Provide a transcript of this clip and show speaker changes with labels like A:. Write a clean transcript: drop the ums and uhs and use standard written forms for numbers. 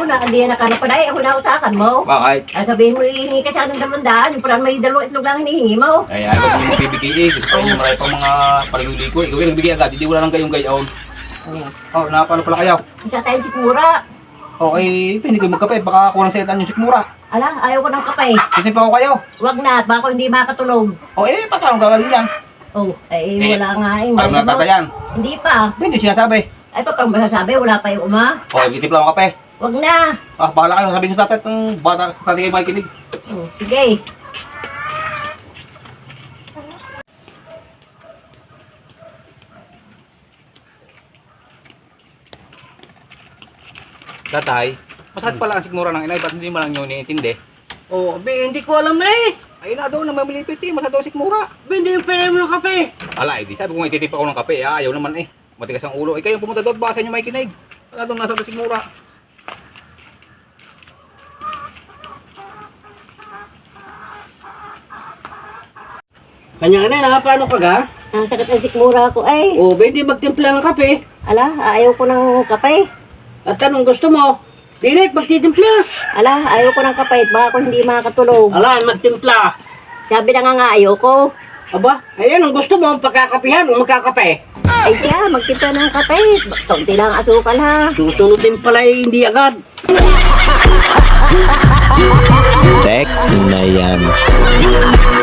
A: na, hindi na ka na pala. Ako na utakan mo.
B: Bakit?
A: Sabihin mo, hihingi ka sa anong damandaan. Yung parang may dalawang itlog lang hinihingi mo.
B: Ay, ayaw ko yung bibigay eh. Gusto ko yung marami pang mga paliguli-ko. Ikaw yung nagbigay agad, hindi wala lang kayong gayaon. Oh, napano pala kayo?
A: Isa tayong sikmura.
B: Okay, hindi ko magkape. Baka kulang sa itan yung sikmura.
A: Ala, ayaw ko ng kape.
B: Kasi pa ako kayo.
A: Wag na, baka hindi makatulog.
B: O paano gagawin yan?
A: Oh, wala nga eh.
B: Alam na tatayan.
A: Hindi pa.
B: Hindi sinasabi.
A: Ay, pa parang masasabi, wala pa yung uma.
B: O, bitipla mo kape.
A: Wag na.
B: Bahala kayo. Sabihin sa tatay itong bata sa kayo makikinig.
A: Oh, sige.
B: Tatay, masakit pala ang sikmura ng inay. Ba't hindi mo lang nyo iniintindi?
C: Oh, hindi ko alam na eh.
B: Ayun na daw, namamilipit eh. Masakit daw ang sikmura.
C: Hindi yung pera mo ng kape.
B: Ala, di sabi ko nga ititip ako ng kape. Ayaw naman eh. Matigas ang ulo. Kayo pumunta doon. Baka sa inyo makikinig. Wala doon nasa doon sikmura.
C: Kanya na, paano ka ga?
A: Nasakit ang sikmura ko ay.
C: Oh, hindi magtimpla ng kape.
A: Ala, ayaw ko ng kape.
C: At anong gusto mo? Dinit, magtitimpla.
A: Ala, ayaw ko ng kape. Baka ako hindi makatulog.
C: Ala, magtimpla.
A: Sabi na nga ayaw ko.
C: Aba, ayan ang gusto mo, pagkakapihan o magkakape.
A: Ay siya, magtimpla ng kape. Kaunti lang ang asukal ha.
C: Susunod din pala eh, hindi agad.
D: Tek na yan.